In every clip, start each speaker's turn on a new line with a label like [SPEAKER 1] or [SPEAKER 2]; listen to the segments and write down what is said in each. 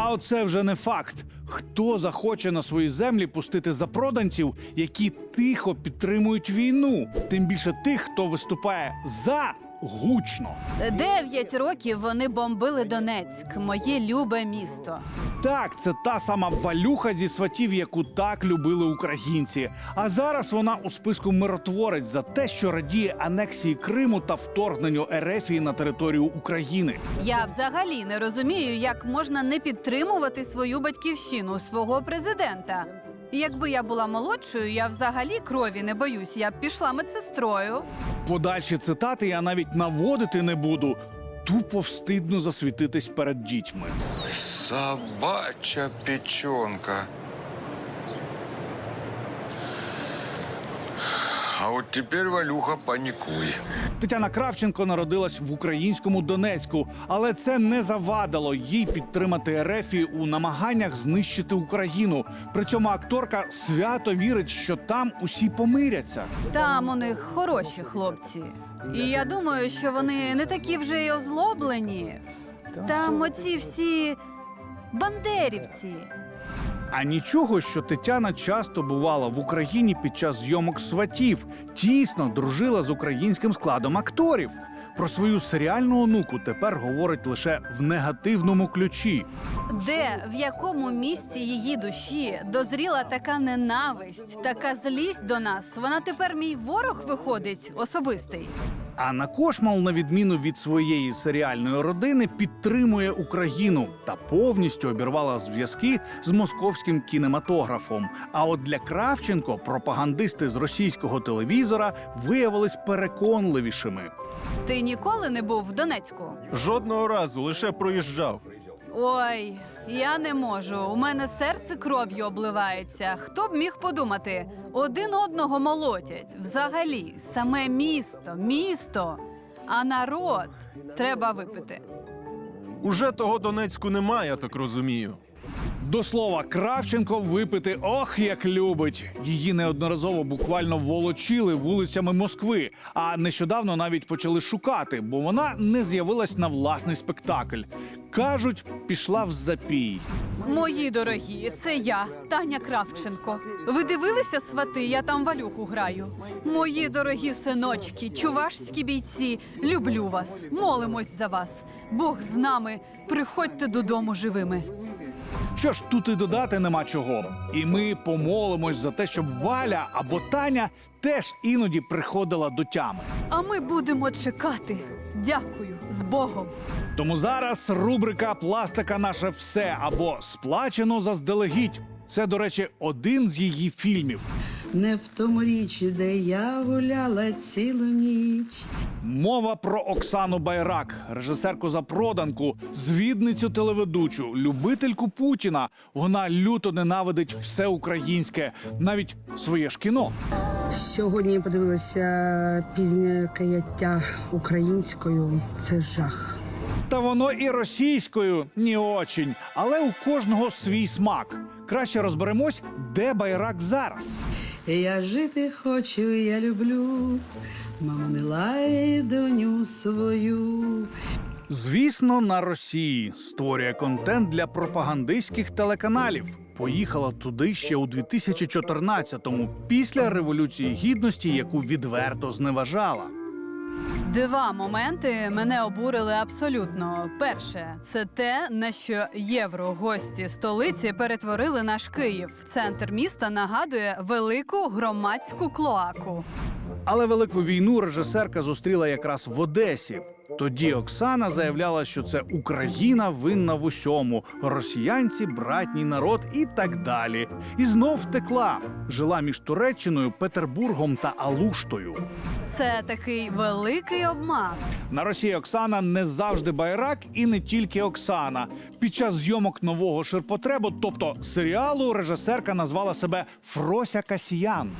[SPEAKER 1] А оце вже не факт. Хто захоче на свої землі пустити запроданців, які тихо підтримують війну? Тим більше тих, хто виступає за гучно.
[SPEAKER 2] 9 років вони бомбили Донецьк, моє любе місто.
[SPEAKER 1] Так, це та сама Валюха зі «Сватів», яку так любили українці. А зараз вона у списку миротворець за те, що радіє анексії Криму та вторгненню Ерефії на територію України.
[SPEAKER 2] Я взагалі не розумію, як можна не підтримувати свою батьківщину, свого президента. Якби я була молодшою, я взагалі крові не боюсь, я б пішла медсестрою.
[SPEAKER 1] Подальші цитати я навіть наводити не буду. Тупо встидно засвітитись перед дітьми.
[SPEAKER 3] Собачья печенка. А от тепер, Валюха, панікуй.
[SPEAKER 1] Тетяна Кравченко народилась в українському Донецьку, але це не завадило їй підтримати Ерефію у намаганнях знищити Україну. При цьому акторка свято вірить, що там усі помиряться.
[SPEAKER 2] Там у них хороші хлопці. І я думаю, що вони не такі вже й озлоблені. Там оці всі бандерівці.
[SPEAKER 1] А нічого, що Тетяна часто бувала в Україні під час зйомок «Сватів», тісно дружила з українським складом акторів. Про свою серіальну онуку тепер говорить лише в негативному ключі.
[SPEAKER 2] Де, в якому місці її душі дозріла така ненависть, така злість до нас? Вона тепер мій ворог виходить особистий.
[SPEAKER 1] Анна Кошмал, на відміну від своєї серіальної родини, підтримує Україну та повністю обірвала зв'язки з московським кінематографом. А от для Кравченко пропагандисти з російського телевізора виявились переконливішими.
[SPEAKER 2] Ти ніколи не був в Донецьку?
[SPEAKER 4] Жодного разу, лише проїжджав.
[SPEAKER 2] Ой, я не можу. У мене серце кров'ю обливається. Хто б міг подумати? Один одного молотять. Взагалі, саме місто. А народ треба випити.
[SPEAKER 4] Уже того Донецьку немає, я так розумію.
[SPEAKER 1] До слова, Кравченко випити ох, як любить. Її неодноразово буквально волочили вулицями Москви, а нещодавно навіть почали шукати, бо вона не з'явилась на власний спектакль. Кажуть, пішла в запій.
[SPEAKER 2] Мої дорогі, це я, Таня Кравченко. Ви дивилися «Свати»? Я там Валюху граю. Мої дорогі синочки, чувашські бійці, люблю вас, молимось за вас. Бог з нами, приходьте додому живими.
[SPEAKER 1] Що ж, тут і додати нема чого. І ми помолимось за те, щоб Валя або Таня теж іноді приходила до тями.
[SPEAKER 2] А ми будемо чекати. Дякую, з Богом.
[SPEAKER 1] Тому зараз рубрика «Пластика наше все» або «Сплачено заздалегідь». Це, до речі, один з її фільмів.
[SPEAKER 5] Не в тому річ, де я гуляла цілу ніч.
[SPEAKER 1] Мова про Оксану Байрак, режисерку запроданку, звідницю телеведучу, любительку Путіна. Вона люто ненавидить все українське, навіть своє ж кіно.
[SPEAKER 5] Сьогодні я подивилася пізнє каяття українською. Це жах.
[SPEAKER 1] Та воно і російською не очень, але у кожного свій смак. Краще розберемось, де Байрак зараз.
[SPEAKER 5] Я жити хочу, я люблю. Мама, не лай доню свою.
[SPEAKER 1] Звісно, на Росії створює контент для пропагандистських телеканалів. Поїхала туди ще у 2014-му, після Революції Гідності, яку відверто зневажала.
[SPEAKER 2] 2 моменти мене обурили абсолютно. Перше – це те, на що єврогості столиці перетворили наш Київ. Центр міста нагадує велику громадську клоаку.
[SPEAKER 1] Але Велику війну режисерка зустріла якраз в Одесі. Тоді Оксана заявляла, що це Україна винна в усьому, росіянці – братній народ і так далі. І знов втекла. Жила між Туреччиною, Петербургом та Алуштою.
[SPEAKER 2] Це такий великий обман.
[SPEAKER 1] На Росії Оксана не завжди Байрак і не тільки Оксана. Під час зйомок нового «Ширпотребу», тобто серіалу, режисерка назвала себе Фрося Касьян.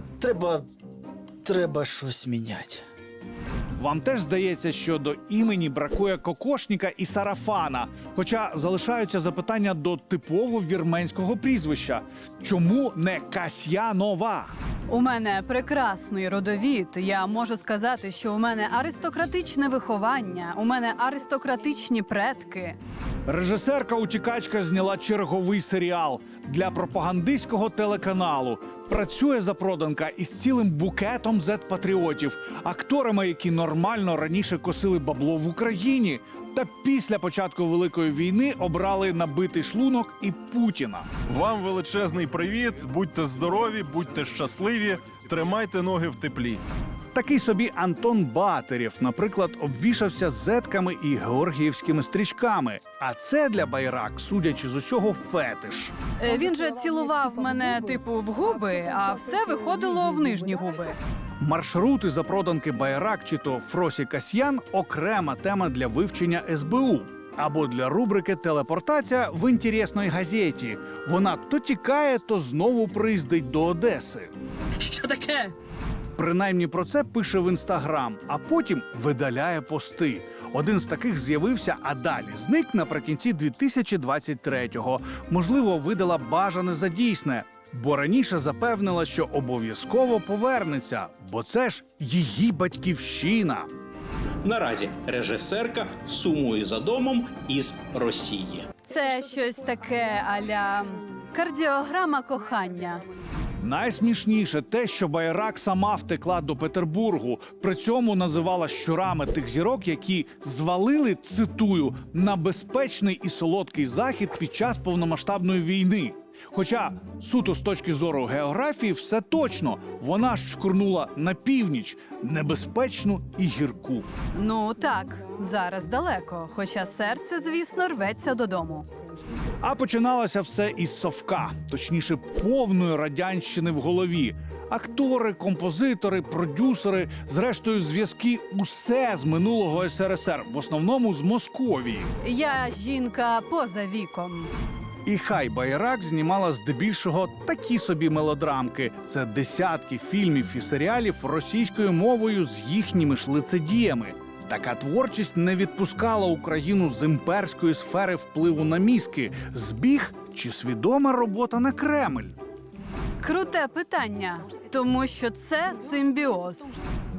[SPEAKER 6] Треба щось міняти.
[SPEAKER 1] Вам теж здається, що до імені бракує кокошника і сарафана, хоча залишаються запитання до типово вірменського прізвища. Чому не Касьянова?
[SPEAKER 2] У мене прекрасний родовід. Я можу сказати, що у мене аристократичне виховання, у мене аристократичні предки.
[SPEAKER 1] Режисерка-утікачка зняла черговий серіал для пропагандистського телеканалу. Працює запроданка із цілим букетом зет-патріотів, акторами, які нормально раніше косили бабло в Україні. Та після початку Великої війни обрали набитий шлунок і Путіна.
[SPEAKER 4] Вам величезний привіт, будьте здорові, будьте щасливі, тримайте ноги в теплі.
[SPEAKER 1] Такий собі Антон Батерєв, наприклад, обвішався зетками і георгіївськими стрічками. А це для Байрак, судячи з усього, фетиш.
[SPEAKER 2] Він же цілував мене типу в губи, а все виходило в нижні губи.
[SPEAKER 1] Маршрути запроданки Байрак чи то Фросі Касьян – окрема тема для вивчення СБУ. Або для рубрики «Телепортація в інтересній газеті». Вона то тікає, то знову приїздить до Одеси.
[SPEAKER 5] Що таке?
[SPEAKER 1] Принаймні про це пише в Інстаграм, а потім видаляє пости. Один з таких з'явився, а далі зник наприкінці 2023-го. Можливо, видала бажане за дійсне, бо раніше запевнила, що обов'язково повернеться, бо це ж її батьківщина.
[SPEAKER 6] Наразі режисерка сумує за домом із Росії.
[SPEAKER 2] Це щось таке а-ля кардіограма кохання.
[SPEAKER 1] Найсмішніше те, що Байрак сама втекла до Петербургу. При цьому називала щурами тих зірок, які звалили, цитую, на безпечний і солодкий захід під час повномасштабної війни. Хоча суто з точки зору географії все точно. Вона ж шкурнула на північ, небезпечну і гірку.
[SPEAKER 2] Ну так, зараз далеко, хоча серце, звісно, рветься додому.
[SPEAKER 1] А починалося все із совка, точніше, повної радянщини в голові. Актори, композитори, продюсери, зрештою, зв'язки – усе з минулого СРСР, в основному з Московії.
[SPEAKER 2] Я жінка поза віком.
[SPEAKER 1] І хай Байрак знімала здебільшого такі собі мелодрамки. Це десятки фільмів і серіалів російською мовою з їхніми ж лицедіями. Така творчість не відпускала Україну з імперської сфери впливу на мізки. Збіг чи свідома робота на Кремль?
[SPEAKER 2] Круте питання, тому що це симбіоз.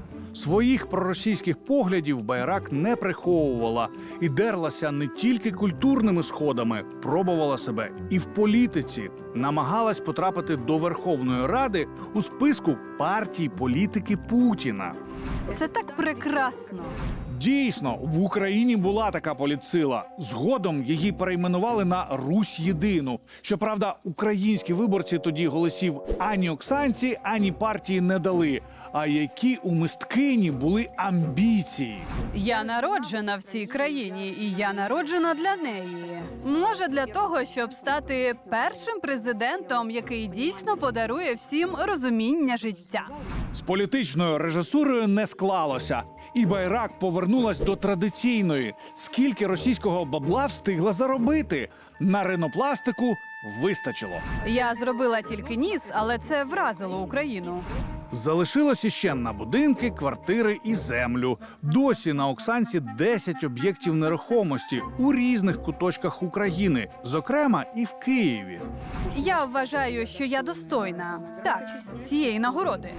[SPEAKER 1] Своїх проросійських поглядів Байрак не приховувала і дерлася не тільки культурними сходами, пробувала себе і в політиці. Намагалась потрапити до Верховної Ради у списку партій політики Путіна.
[SPEAKER 2] Це так прекрасно.
[SPEAKER 1] Дійсно, в Україні була така політсила. Згодом її перейменували на Русь Єдину. Щоправда, українські виборці тоді голосів ані Оксанці, ані партії не дали. А які у мисткині були амбіції.
[SPEAKER 2] Я народжена в цій країні, і я народжена для неї. Може, для того, щоб стати першим президентом, який дійсно подарує всім розуміння життя.
[SPEAKER 1] З політичною режисурою не склалося. І Байрак повернулась до традиційної. Скільки російського бабла встигла заробити? На ринопластику вистачило.
[SPEAKER 2] Я зробила тільки ніс, але це вразило Україну.
[SPEAKER 1] Залишилось іще на будинки, квартири і землю. Досі на Оксанці 10 об'єктів нерухомості у різних куточках України, зокрема і в Києві.
[SPEAKER 2] Я вважаю, що я достойна, так, цієї нагороди.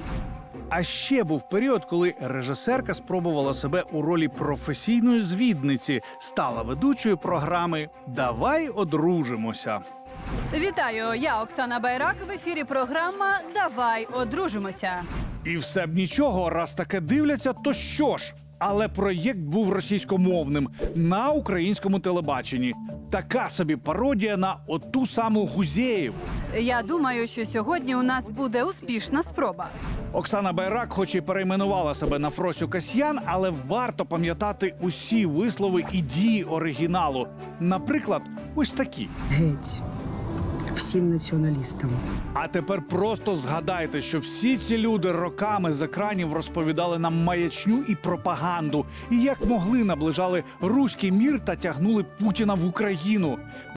[SPEAKER 1] А ще був період, коли режисерка спробувала себе у ролі професійної звідниці, стала ведучою програми «Давай одружимося».
[SPEAKER 2] Вітаю, я Оксана Байрак, в ефірі програма «Давай одружимося».
[SPEAKER 1] І все б нічого, раз таке дивляться, то що ж? Але проєкт був російськомовним на українському телебаченні. Така собі пародія на оту саму Гузєєву.
[SPEAKER 2] Я думаю, що сьогодні у нас буде успішна спроба.
[SPEAKER 1] Оксана Байрак хоч і перейменувала себе на Фросю Касьян, але варто пам'ятати усі вислови і дії оригіналу. Наприклад, ось такі.
[SPEAKER 7] Геть всім націоналістам.
[SPEAKER 1] А тепер просто згадайте, що всі ці люди роками з екранів розповідали нам маячню і пропаганду. І як могли наближали руський мір та тягнули Путіна в Україну.